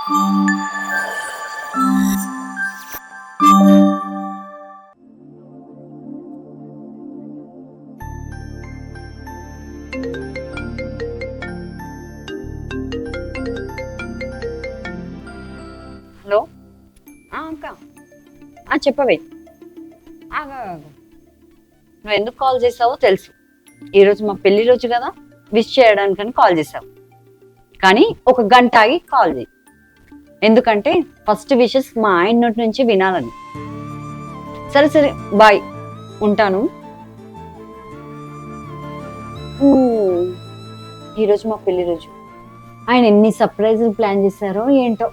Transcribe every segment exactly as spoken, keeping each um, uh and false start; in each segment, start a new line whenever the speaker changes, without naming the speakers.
Hello అక్క చెప్పవే. నువ్వు ఎందుకు కాల్ చేసావో తెలుసు. ఈరోజు మా పెళ్లి రోజు కదా, విష్ చేయడానికని కాల్ చేసావు. కానీ ఒక గంట ఆగి కాల్ చేయి, ఎందుకంటే ఫస్ట్ విషెస్ మా ఆయన నోటి నుంచి వినాలని. సరే సరే బాయ్, ఉంటాను. ఈరోజు మా పెళ్లి రోజు, ఆయన ఎన్ని సర్ప్రైజులు ప్లాన్ చేశారో ఏంటో.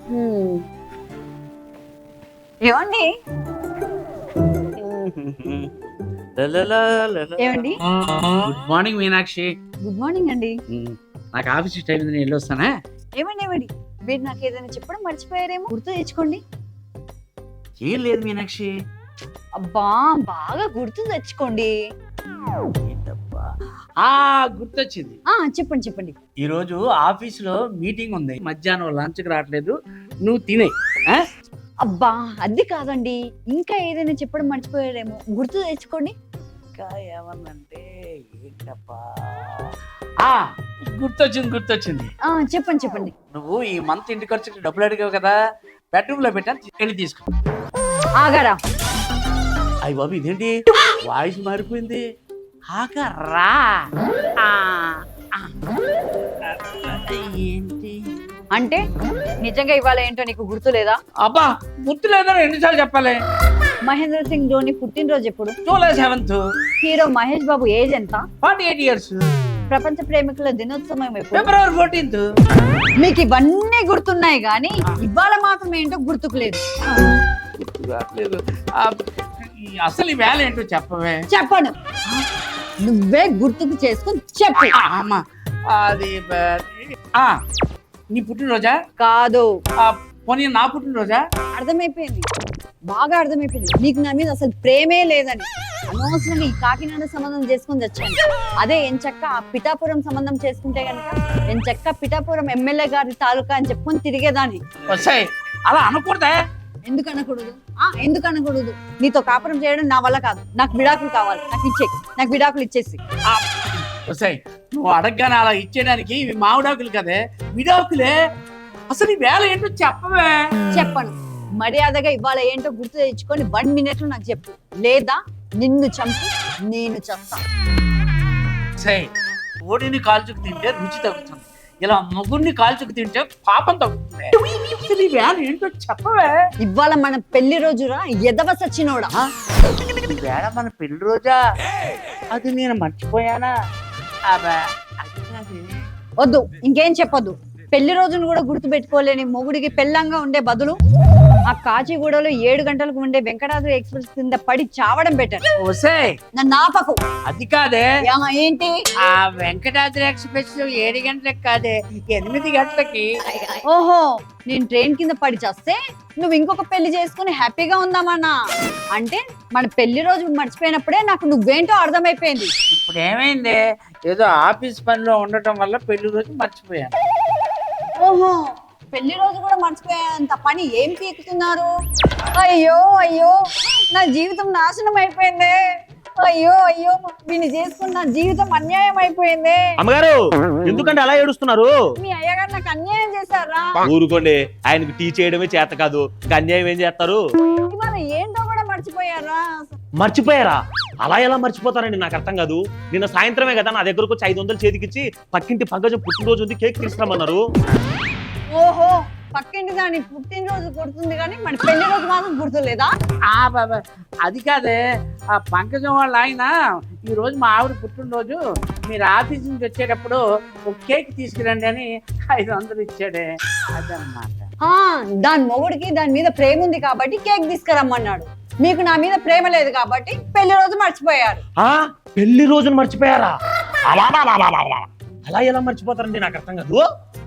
ఏమండి ఏమండి
good morning Meenakshi.
Good morning అండి.
నాకు ఆఫీస్ టైం నేను వెళ్ళొస్తానా?
ఏమండి ఏమండి మీరు నాకు ఏదైనా చెప్పడం మర్చిపోయారేమో, గుర్తు తెచ్చుకోండి.
ఏం లేదు మీనాక్షి.
అబ్బా బాగా గుర్తు తెచ్చుకోండి.
ఆ గుర్తొచ్చింది.
ఆ చెప్పండి చెప్పండి.
ఈ రోజు ఆఫీస్ లో మీటింగ్ ఉంది, మధ్యాహ్నం లంచ్ కి రావట్లేదు, నువ్వు తినే.
అబ్బా అది కాదండి, ఇంకా ఏదైనా చెప్పడం మర్చిపోయారేమో, గుర్తు తెచ్చుకోండి.
ఇంకా ఏమన్నంటే ఏంటబ్బా, ఆ గుర్తొచ్చింది గుర్తొచ్చింది
ఆ చెప్పండి చెప్పండి.
నువ్వు ఈ మంత్ ఇంటి ఖర్చుకి డబ్బులు అడిగావు కదా, బెడ్రూమ్ లో పెట్టాను, వెళ్ళి తీసుకో.
ఆగారా?
అయ్య బాబు ఇదేంటి వాయిస్ మారిపోయింది. ఆగరా ఏంటి
అంటే నిజంగా ఇవాళ ఏంటో నీకు గుర్తు లేదా?
అబ్బా గుర్తు లేదా, ఎన్నిసార్లు చెప్పాలి?
మహేంద్ర సింగ్ ధోని పుట్టినరోజు ఎప్పుడు?
July seventh.
Hero Mahesh Babu age ఎంత?
Forty eight years.
ప్రపంచ ప్రేమికుల దినోత్సవం ఎప్పుడు?
February fourteenth.
మీకు ఇవన్నీ గుర్తున్నాయి కానీ ఇవాళ మాత్రం ఏంటో గుర్తుకులేదు.
అసలు ఈ వేళ ఏంటో చెప్పవే.
చెప్పను, నువ్వే గుర్తుకు చేసుకుని చెప్పు.
అమ్మా అది ఆ నీ పుట్టినరోజా?
కాదు.
పోనీ నా పుట్టినరోజా?
అర్థమైపోయింది, బాగా అర్థమైపోయింది. నీకు నా మీద అసలు ప్రేమే లేదని. అనవసరంగా ఈ కాకినాడ సంబంధం చేసుకుని వచ్చాను. అదే ఎంచక్క ఆ పిఠాపురం సంబంధం చేసుకుంటే కనుక ఎంచక్క పిఠాపురం ఎమ్మెల్యే గారి తాలూకా అని చెప్పుకొని తిరిగేదాన్ని.
వస్తాయి అలా అనకూడదా?
ఎందుకు అనకూడదు? ఆ ఎందుకు అనకూడదు? నీతో కాపురం చేయడం నా వల్ల కాదు. నాకు విడాకులు కావాలి, నాకు ఇచ్చే నాకు విడాకులు ఇచ్చేసి.
వస్తాయి నువ్వు అడగగానే అలా ఇచ్చేయడానికి ఇవి మామిడాకులు కదే, విడాకులే. అసలు ఈ వేళ ఏంటో చెప్పవే.
చెప్పను. మర్యాదగా ఇవాళ ఏంటో గుర్తు తెచ్చుకొని వన్ మినిట్ లో నాకు చెప్పు, లేదా నిన్ను చంపి నేను చస్తా.
సై ఓడిని కాల్చుకు తింటే రుచి తగ్గుతుంది, ఇలా మొగుడిని కాల్చుకు తింటే పాపం తగ్గుతుంది. అసలు ఈ వేళ ఏంటో చెప్పవే.
ఇవాళ మన పెళ్లి రోజురా ఎదవ సచ్చినోడా.
ఈ వేళ మన పెళ్లి రోజా? అది నేను మర్చిపోయానా?
వద్దు, ఇంకేం చెప్పొద్దు. పెళ్లి రోజును కూడా గుర్తు పెట్టుకోలేని మొగుడికి పెళ్ళంగా ఉండే బదులు ఆ కాచిగూడలో ఏడు గంటలకు ఉండే వెంకటాద్రి ఎక్స్ప్రెస్ కింద పడి చావడం బెటర్. నన్ను ఆపకు.
అది కాదే.
ఏంటి?
ఆ వెంకటాద్రి ఎక్స్ప్రెస్ ఏడు గంటలకు కాదే, ఎనిమిది గంటలకి.
ఓహో, నేను ట్రైన్ కింద పడి చేస్తే నువ్వు ఇంకొక పెళ్లి చేసుకుని హ్యాపీగా ఉందామన్నా. అంటే మన పెళ్లి రోజు మర్చిపోయినప్పుడే నాకు నువ్వేంటో అర్థమైపోయింది.
ఇప్పుడు ఏమైంది? ఏదో ఆఫీస్ పనిలో ఉండటం వల్ల పెళ్లి రోజు మర్చిపోయాను.
ఓహో, పెళ్లి రోజు కూడా మర్చిపోయేంత పని ఏం పీకుతున్నారు? అయ్యో అయ్యో, నా జీవితం నాశనం అయిపోయింది. అయ్యో అయ్యో, దీన్ని చేసుకున్న నా జీవితం అన్యాయం అయిపోయింది.
అమ్మగారు ఎందుకంటే అలా ఏడుస్తున్నారు?
మీ అయ్యగారు నాకు అన్యాయం చేశారా?
ఊరుకోండి, ఆయనకు టీ చేయడమే చేత కాదు, అన్యాయం ఏం చేస్తారు?
ఇవాళ ఏంటో కూడా మర్చిపోయారా?
మర్చిపోయారా? అలా ఎలా మర్చిపోతారండి, నాకు అర్థం కాదు. నిన్న సాయంత్రమే కదా నా దగ్గరకు వచ్చి ఐదు వందలు చేతికిచ్చి పక్కింటి పంకజం పుట్టినరోజు ఉంది కేక్ తీసుకురమ్మన్నారు.
ఓహో, పక్కింటి దాని పుట్టినరోజు గుర్తుంది కానీ మన పెళ్లి రోజు మాత్రం గుర్తులేదా?
ఆ బాబా అది కాదే, ఆ పంకజం వాళ్ళ ఆయన ఈ రోజు మా ఆవిడ పుట్టినరోజు, మీరు ఆఫీస్ నుంచి వచ్చేటప్పుడు ఒక కేక్ తీసుకురండి అని ఐదు వందలు ఇచ్చాడే, అదన్నమాట.
దాని మొగుడికి దాని మీద ప్రేమ ఉంది కాబట్టి కేక్ తీసుకురమ్మన్నాడు. మీకు నా మీద ప్రేమ లేదు కాబట్టి పెళ్లి రోజు మర్చిపోయారు.
పెళ్లి రోజును మర్చిపోయారా? అలా ఎలా మర్చిపోతారండి, నాకు అర్థం కాదు.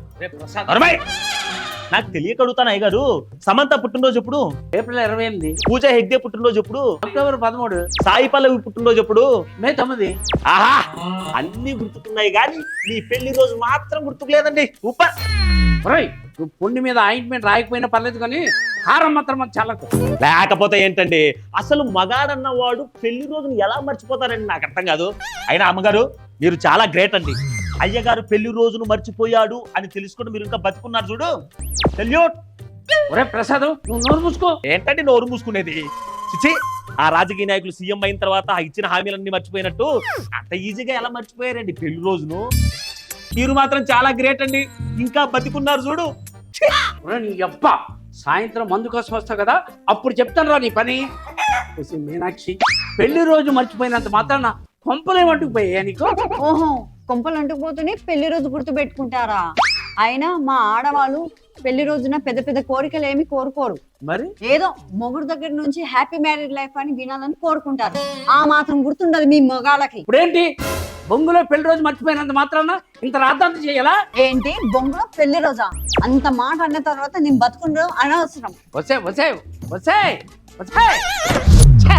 నాకు తెలియక అడుగుతాను అయ్యగారు, సమంత పుట్టినరోజు ఎప్పుడు?
ఏప్రిల్ ఇరవై ఎనిమిది.
పూజ హెగ్డే పుట్టినరోజు ఎప్పుడు?
అక్టోబర్ పదమూడు.
సాయి పల్లవి పుట్టినరోజు ఎప్పుడు?
మే తొమ్మిది.
ఆహా, అన్ని గుర్తుకున్నాయి కానీ నీ పెళ్లి రోజు మాత్రం గుర్తుకు లేదండి. సూపర్.
నువ్వు పుండి మీద ఆయింట్మెంట్ రాయకపోయినా పర్లేదు కానీ హారం మాత్రం చల్లకు.
లేకపోతే ఏంటండి, అసలు మగాడన్నవాడు పెళ్లి రోజును ఎలా మర్చిపోతారండి నాకు అర్థం కాదు. అయినా అమ్మగారు మీరు చాలా గ్రేట్ అండి. అయ్యగారు పెళ్లి రోజును మర్చిపోయాడు అని తెలుసుకుని మీరు ఇంకా బతుకున్నారు చూడు. సెల్యూట్.
ఒరే ప్రసాద్, నువ్వు నోరు మూసుకో.
ఏంటండి నోరు మూసుకునేది? చిచి, ఆ రాజకీయ నాయకులు సీఎం అయిన తర్వాత ఆ ఇచ్చిన హామీలన్నీ మర్చిపోయినట్టు అంత ఈజీగా ఎలా మర్చిపోయారండి పెళ్లి రోజును? మీరు మాత్రం చాలా గ్రేట్ అండి, ఇంకా బతికున్నారు చూడు.
ఒరే నీ అబ్బా, సాయంత్రం మందు కోసం వస్తావు కదా, అప్పుడు చెప్తాను రా నీ పని. చూసి మీనాక్షి, పెళ్లి రోజు మర్చిపోయినంత మాత్రాన కొంపలేమంటుకు పోయా నీకు?
ఓహో, కొంపలు అంటుకుపోతూనే పెళ్లి రోజు గుర్తు పెట్టుకుంటారా? అయినా మా ఆడవాళ్ళు పెళ్లి రోజున పెద్ద పెద్ద కోరికలు ఏమి కోరుకోరు.
మరి
ఏదో మొగుడు దగ్గర నుంచి హ్యాపీ మ్యారీడ్ లైఫ్ అని వినాలని కోరుకుంటారు. ఆ మాత్రం గుర్తుండదు మీ మగాళ్ళకి.
ఇప్పుడేంటి బొంగులో పెళ్లి రోజు మర్చిపోయినంత మాత్రాన ఇంత రాద్దాంత చేయాలా?
ఏంటి బొంగులో పెళ్లి రోజా? అంత మాట అన్న తర్వాత నేను బతుకుండదు అనవసరం.
వసే వసే వసే వసే. ఛే!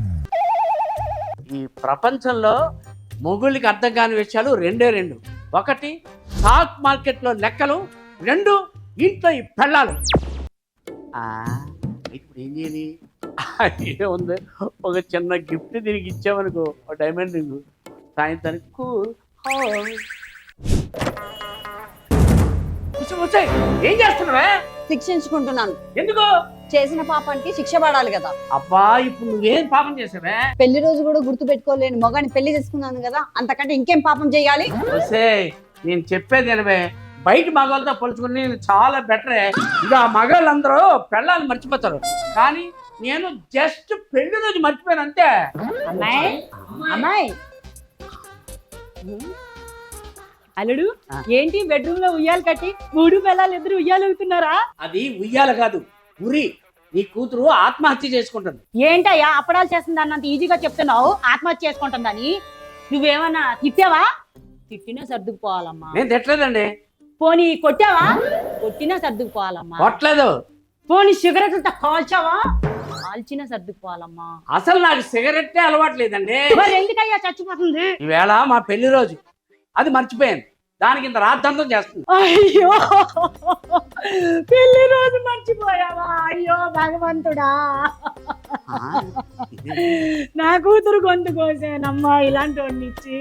ఈ ప్రపంచంలో మొగుళ్ళకి అర్థం కాని విషయాలు రెండే రెండు. ఒకటి స్టాక్ మార్కెట్లో లెక్కలు, రెండు ఇంట్లో ఈ పెళ్ళాలు. ఆ, ఇప్పుడు ఏం చేయాలి? ఏముంది, ఒక చిన్న గిఫ్ట్ తిరిగి ఇచ్చామనుకో, ఒక డైమండ్ రింగ్, సాయంత్రానికి కూల్. వచ్చాయి. ఏం చేస్తున్నావే?
శిక్షించుకుంటున్నాను.
ఎందుకు?
చేసిన పాపానికి శిక్ష పడాలి కదా.
అబ్బా, ఇప్పుడు నువ్వేం పాపం చేసావే?
పెళ్లి రోజు కూడా గుర్తు పెట్టుకోలేని మొగాని పెళ్లి చేసుకున్నాను కదా, అంతకంటే ఇంకేం పాపం చేయాలి?
వసే, నేను చెప్పేది ఎనవే, బయట మగాళ్ళతో పోల్చుకుని నేను చాలా బెటరే. ఇక ఆ మగాళ్ళందరూ పెళ్ళాలు మర్చిపోతారు, కానీ నేను జస్ట్ పెళ్లి రోజు మర్చిపోయాను అంతే.
అమ్మాయి అమ్మాయి
అల్లుడు, ఏంటి బెడ్రూమ్ లో ఉయ్యాలు కట్టి మూడు పిల్లలు ఇద్దరు ఉయ్యాలు అవుతున్నారా?
అది ఉయ్యాల కాదు, ఉరి. నీ కూతురు ఆత్మహత్య చేసుకుంటుంది.
ఏంటయ్యా అప్పడాలు చేస్తుంది అన్నంత ఈజీగా చెప్తున్నావు ఆత్మహత్య చేసుకుంటుందని? నువ్వేమన్నా తిట్టావా? తిట్టినా సర్దుకుపోవాలమ్మా.
నేను తిట్టలేదండి.
పోనీ కొట్టావా? కొట్టినా సర్దుకుపోవాలమ్మా.
కొట్టలేదు.
పోనీ సిగరెట్లతో కాల్చావా? కాల్చినా సర్దుకుపోవాలమ్మా.
అసలు నాకు సిగరెట్టే అలవాటు లేదండి.
మరి ఎందుకయ్యా చచ్చిపోతుంది?
ఈవేళ మా పెళ్లి రోజు, అది మర్చిపోయాను, దానికి ఇంత రాద్ధాంతం చేస్తుంది.
అయ్యో, పెళ్లి రోజు మర్చిపోయావా? అయ్యో భగవంతుడా, నా కూతురు గొంతు కోసానమ్మా ఇలాంటి వాడిని ఇచ్చి.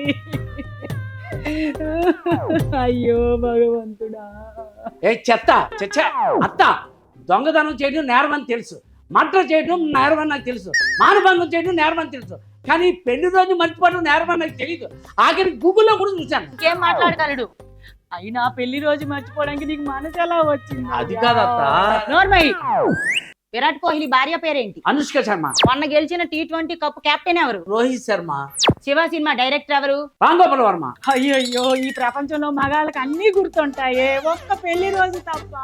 అయ్యో భగవంతుడా.
ఏ చెత్త చెచ్చ అత్త, దొంగతనం చేయడం నేరమని తెలుసు, మర్డర్ చేయడం నేరమని నాకు తెలుసు, మానభంగం చేయడం నేరమని తెలుసు, కానీ పెళ్లి రోజు మర్చిపోవడం నేరమని నాకు తెలియదు. ఆఖరి గూగుల్లో కూడా చూశాను.
ఇంకేం మాట్లాడగలడు? అయినా పెళ్లి రోజు మర్చిపోవడానికి నీకు మనసు ఎలా వచ్చింది?
అది కాదత్త.
నోర్మై, విరాట్ కోహ్లీ భార్య పేరేంటి?
అనుష్క శర్మ.
మొన్న గెలిచిన టీ ట్వంటీ కప్ కెప్టెన్ ఎవరు?
రోహిత్ శర్మ.
శివ సినిమా డైరెక్టర్ ఎవరు?
రామ్ గోపాల్ వర్మ.
అయ్యో, ఈ ప్రపంచంలో మగాళ్ళకి అన్ని గుర్తుంటాయే, ఒక్క పెళ్లి రోజు తప్ప.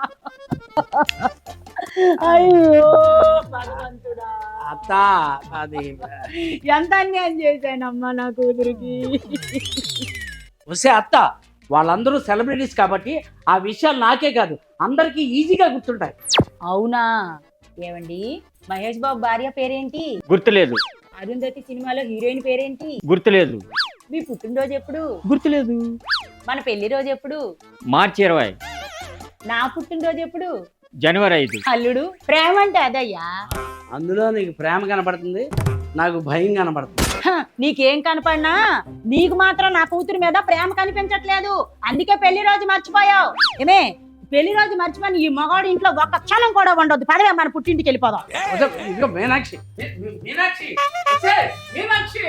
అయ్యో భగవంతుడా.
అత్త, అది
ఎంత అన్యాయం చేశానమ్మా నా కూతురికి.
వసే అత్త, వాళ్ళందరూ సెలబ్రిటీస్ కాబట్టి ఆ విషయాలు నాకే కాదు అందరికీ ఈజీగా గుర్తుంటాయి.
అవునా? ఏమండి, మహేష్ బాబు భార్య పేరేంటి?
గుర్తులేదు.
అరుంధతి సినిమాలో హీరోయిన్ పేరేంటి?
గుర్తులేదు.
మీ పుట్టినరోజు ఎప్పుడు?
గుర్తులేదు.
మన పెళ్లి రోజు ఎప్పుడు?
మార్చి ఇరవై.
నా పుట్టినరోజు ఎప్పుడు?
జనవరి ఐదు.
అల్లుడు, ప్రేమ అంటే అదయ్యా.
అందులో నీకు ప్రేమ కనపడుతుంది, నాకు భయం కనపడుతుంది.
హ, నీకేం కనపడినా నీకు మాత్రం నా కూతురు మీద ప్రేమ కనిపించట్లేదు, అందుకే పెళ్లి రోజు మర్చిపోయావు. ఏమే, పెళ్లి రోజు మర్చిపోయి ఈ మగాడు ఇంట్లో ఒక్క క్షణం కూడా ఉండొద్దు. పదవే మన పుట్టింటికి వెళ్ళిపోదాం.
ఇదిగో మీనాక్షి, మీనాక్షి, వసే, మీనాక్షి.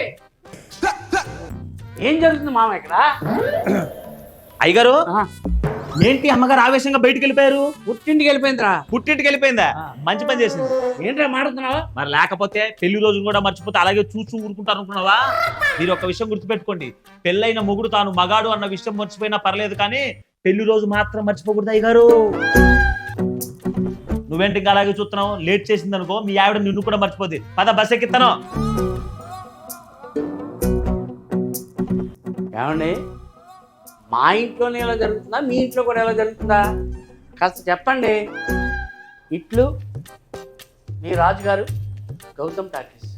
ఏం జరుగుతుంది మామ ఇక్కడ?
అయ్యగారు,
ఆ,
ఏంటి అమ్మగారు ఆవేశంగా బయటికి వెళ్ళిపోయారు?
పుట్టింటికి వెళ్ళిపోయిందిరా.
పుట్టింటికి వెళ్ళిపోయిందా?
ఆ.
మంచి పని చేసింది.
ఏంట్రా మాడుతున్నావా?
మరి లేకపోతే పెళ్లి రోజును కూడా మర్చిపోతే అలాగే చూస్తూ ఊరుకుంటారు అనుకున్నావా? మీరు ఒక విషయం గుర్తుపెట్టుకోండి, పెళ్ళైన మొగుడు తాను మగాడు అన్న విషయం మర్చిపోయినా పర్లేదు, కానీ పెళ్లి రోజు మాత్రం మర్చిపోకూడదు అయ్యగారు. నువ్వేంటి ఇంకా అలాగే చూస్తున్నావు? లేట్ చేసింది అనుకో, మీ ఆవిడ నిన్ను కూడా మర్చిపోద్ది. పద బస్ ఎక్కిస్తాను.
ఏమండి, మా ఇంట్లోనే ఎలా జరుగుతుందా, మీ ఇంట్లో కూడా ఎలా జరుగుతుందా? కాస్త చెప్పండి. ఇట్లు మీ రాజుగారు, గౌతమ్ టాకీస్.